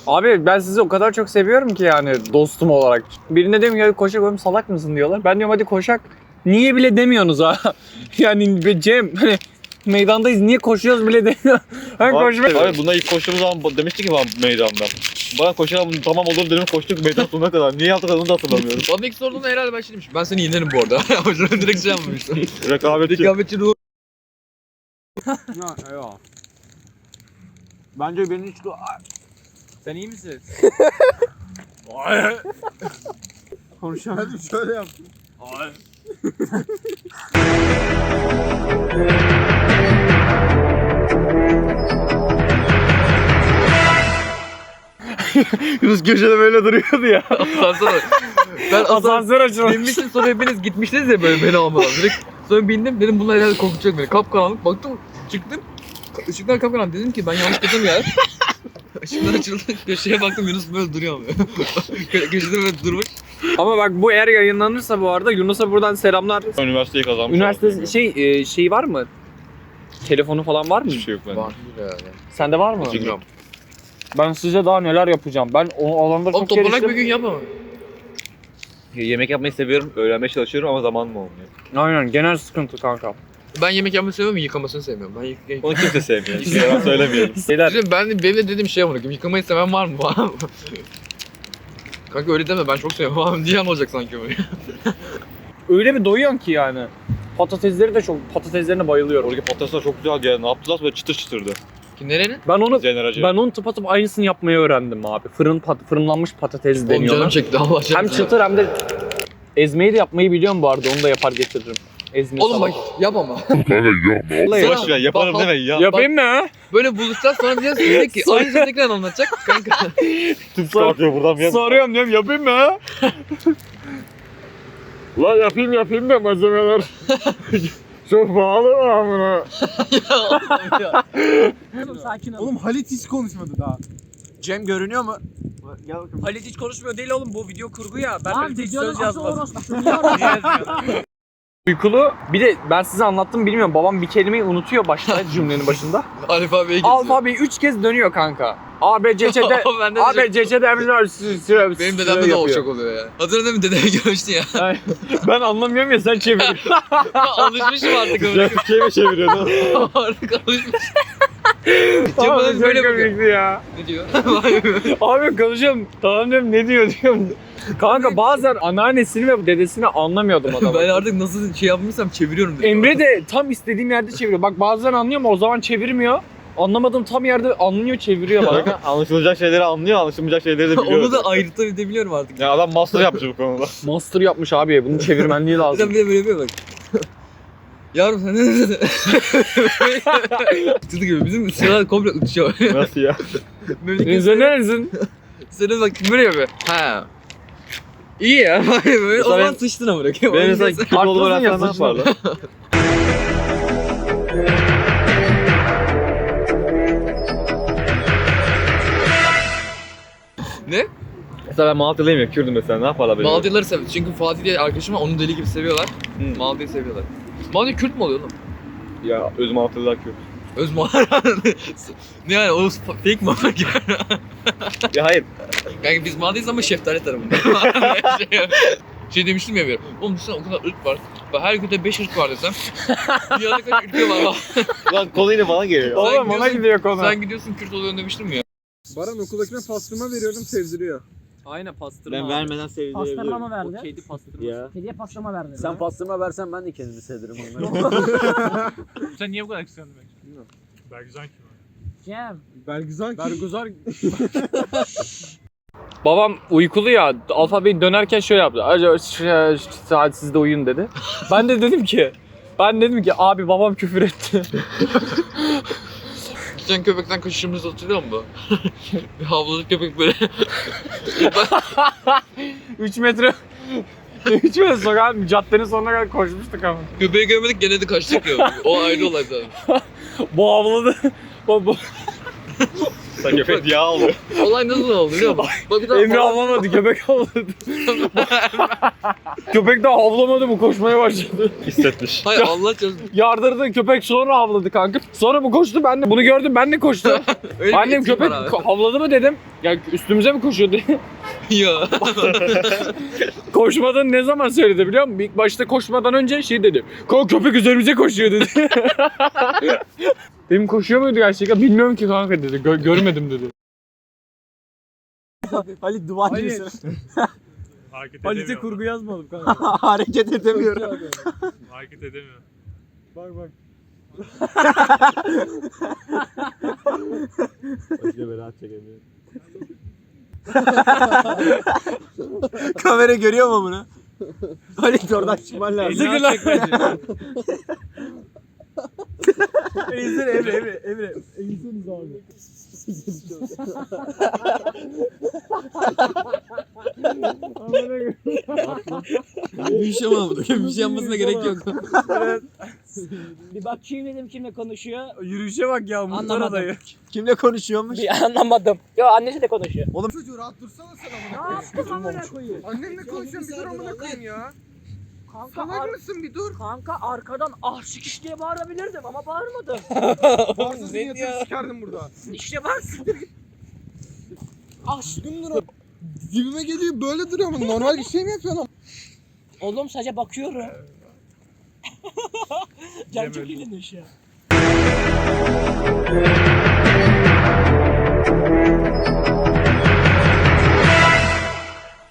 Abi ben sizi o kadar çok seviyorum ki yani dostum olarak. Birine diyorum ya koşak oğlum salak mısın diyorlar. Ben diyorum hadi koşak. Niye bile demiyorsunuz ha? Yani Cem hani meydandayız niye koşuyoruz bile demiyor. Ben koşmak. Abi buna ilk koştuğumuz zaman demişti ki bana meydanda. Bana koşalım tamam olur dedim koştuk meydan sonuna kadar. Niye yaptık onu da hatırlamıyorum. Bana ilk sorduğunda herhalde ben şey demiştim. Ben seni yenerim bu arada. Ama direkt şey yapmamıştım. Rekabetçi. Rekabetçi ruh. Ya. Bence benim hiç... Sen iyi misin? Konuşamadım şöyle yaptım. Yunus köşede böyle duruyordu ya. Asansör. Ben Asansör açılmış. binmiştim sonra hepiniz gitmiştiniz ya böyle beni almadan. Direkt sonra bindim dedim bunlar herhalde korkutacak beni. Kapkaranlık baktım çıktım. Işıklar kapkaranlık dedim ki ben yanlış gittim ya. Işıklar açıldı köşeye baktım Yunus böyle duruyor ama. Köşede böyle durmuş. Ama bak bu eğer yayınlanırsa bu arada Yunus'a buradan selamlar. Üniversiteyi kazanmış. Üniversite şey var mı? Telefonu falan var mı? Hiçbir şey yok bende. Var yani. Sende var mı? Bilmiyorum. Ben size daha neler yapacağım. Ben o alanda Oğlum çok toplanak geliştim. bir gün yapma. Yemek yapmayı seviyorum, öğrenmeye çalışıyorum ama zamanım olmuyor. Aynen genel sıkıntı kanka. Ben yemek yapmayı seviyorum yıkamasını sevmiyorum. Ben yıkayayım. Onu kimse sevmiyor. Hiçbir yalan söylemiyorum. Şeyler. Benim de dediğim şey amına yıkamayı seven var mı falan. Kanka öyle deme ben çok seviyorum abi. Diyen olacak sanki böyle. Öyle bir doyuyorsun ki yani. Patatesleri de çok, patateslerine bayılıyorum. Oradaki patatesler çok güzel geldi. Ne yaptılar böyle çıtır çıtırdı. Ki nerenin? Generacı. Ben onun tıpatıp aynısını yapmayı öğrendim abi. Fırınlanmış patates Oğlum deniyor. canım ona. çekti Allah aşkına. Hem çıtır hem de ezmeyi de yapmayı biliyorum bu arada. Onu da yapar getiririm. Ezme Oğlum bak salata. yap ama. Vallahi Boş ver yaparım Bak- deme ya. yapayım mı? Böyle buluşacağız sonra diyeceğiz ki aynı şeyi tekrar anlatacak kanka. Tüp çıkartıyor buradan bir Soruyorum diyorum yapayım mı? La yapayım da malzemeler. Çok pahalı mı amına? Sakin ol. Oğlum Halit hiç konuşmadı daha. Cem görünüyor mu? Halit hiç konuşmuyor değil oğlum bu video kurgu ya. Ben Lan hiç videonun söz asıl yazmadım. orospusu. Uykulu. Bir de ben size anlattım bilmiyorum. Babam bir kelimeyi unutuyor başta cümlenin başında. Alfabeyi geziyor. Alfabeyi 3 kez dönüyor kanka. A, B, C, C'de Bende de A, B, çok- C, C'de Benim dedemde de o çok oluyor ya. Hatırladın mı dedemi görmüştün ya. Ben anlamıyorum ya sen çevir. Alışmışım artık öyle. Türkçe'ye mi çeviriyordu? Artık alışmışım. Abi bana çok böyle bakıyor. komikti ya. Ne diyor? Abi konuşuyorum. Tamam diyorum ne diyorum. Kanka bazen anneannesini ve dedesini anlamıyordum adamı. Ben artık nasıl şey yapmışsam çeviriyorum. dedim. Emre de tam istediğim yerde çeviriyor. Bak bazen anlıyor ama o zaman çevirmiyor. Anlamadığım tam yerde anlıyor çeviriyor bana. Bakın anlaşılacak şeyleri anlıyor, anlaşılmayacak şeyleri de biliyor. Onu da ayırtabiliyorum artık. Ya adam master yapmış bu konuda. Master yapmış abi. Bunun çevirmenliği Bir lazım. de böyle yapıyor bak. Yavrum sen ne dedin? Çocuk gibi bizim sıralar komple uçuyor. Nasıl ya? Memleket Sen neresin? Senin bak böyle yapıyor. Ha. İyi ya. Böyle o Mesela zaman ben- sıçtın ama bırakayım. Benim mesela kötü olduğumu Haklısın ya, öğrensen ne saçma. yaparlar? Ne? Mesela ben Malatyalıyım ya, Kürdüm mesela, ne yaparlar böyle? Maldiyalıları seviyor. Çünkü Fatih diye arkadaşım var. Onu deli gibi seviyorlar. Hı. Maladiya'yı seviyorlar. Maladya Kürt mü oluyor oğlum? Ya öz Malatyalılar Kürt. Öz Ne yani o fake mi? Ya hayır. Kanka biz Maladya'yız ama şeftali tarafında. şey demiştim ya bir. Oğlum düşünsene o kadar ırk var. Ve her ülkede 5 ırk var desem. Dünyada kaç ülke var? Lan konu yine bana geliyor. Sen Oğlum ona gidiyorsun- gidiyor konu. Sen gidiyorsun Kürt oluyorsun demiştim ya. Baran okuldakine pastırma veriyorum sevdiriyor. Aynen pastırma. Ben vermeden sevdirebilirim. Pastırma mı O verdi? kedi pastırma. Ya. Kediye pastırma verdi. Sen pastırma versen ben de kendimi sevdirim onları. Sen niye bu kadar kıskandın beni? Bilmiyorum. Bergüzan kim? Cem. Bergüzar ki. Bergüzar. Babam uykulu ya. Alfabeyi dönerken şöyle yaptı. Acaba saat siz de uyuyun dedi. Ben de dedim ki abi babam küfür etti. Sen köpekten kaçışımızı hatırlıyor musun? Bir havladı köpek böyle. 3 metre 3 metre sokağın caddenin sonuna kadar koşmuştuk ama. Köpeği görmedik gene de kaçtık ya. O ayrı olay zaten. Bu havladı. Bu Sen köpek yağ alıyor. Olay nasıl oldu biliyor musun? Bak bir daha Emre havlamadı, köpek havladı. Köpek daha havlamadı mı, koşmaya başladı. Hissetmiş. Hayır Allah çarpsın. Yardırdı, köpek sonra havladı kanka. Sonra bu koştu, ben de bunu gördüm, ben de koştum. Öyle bir Annem etki köpek var abi. havladı mı dedim. Ya üstümüze mi koşuyordu? Ya. Koşmadan ne zaman söyledi biliyor musun? İlk başta koşmadan önce şey dedi. Köpek üzerimize koşuyor dedi. Dedim koşuyor muydu gerçekten? Bilmiyorum ki kanka dedi. Görmedim dedi. Halit duvar Halit. gibisin. Hareket Halit'e edemiyor. kurgu yazmadım kanka. Hareket edemiyorum. Hareket edemiyor. Bak bak. Başka beraat çekemiyor. Kamera görüyor mu bunu? Halit oradan çıkman lazım. Sıkı lan. Eğilsene Emre. Eğilseniz abi. Bir şey olmadı. Bir şey yapmasına gerek yok. Bir bakayım dedim kimle konuşuyor. Yürüyüşe bak ya muhtar Anlamadım. adayı. Kimle konuşuyormuş? Bir anlamadım. Yo annesi de konuşuyor. Çocuğu rahat dursana sen Ne yaptın amına koyayım? Annenle konuşuyorum bir dur amına koyayım ya. Kanka, Salak mısın bir dur. kanka arkadan ah sikiş diye bağırabilirdim ama bağırmadım. Bağırsızın yatırı sikerdim burada. İşte bak. Ah Dibime geliyor böyle duruyor ama normal bir şey mi yapıyorsun? oğlum sadece bakıyorum. Can çok iyilemiş ya.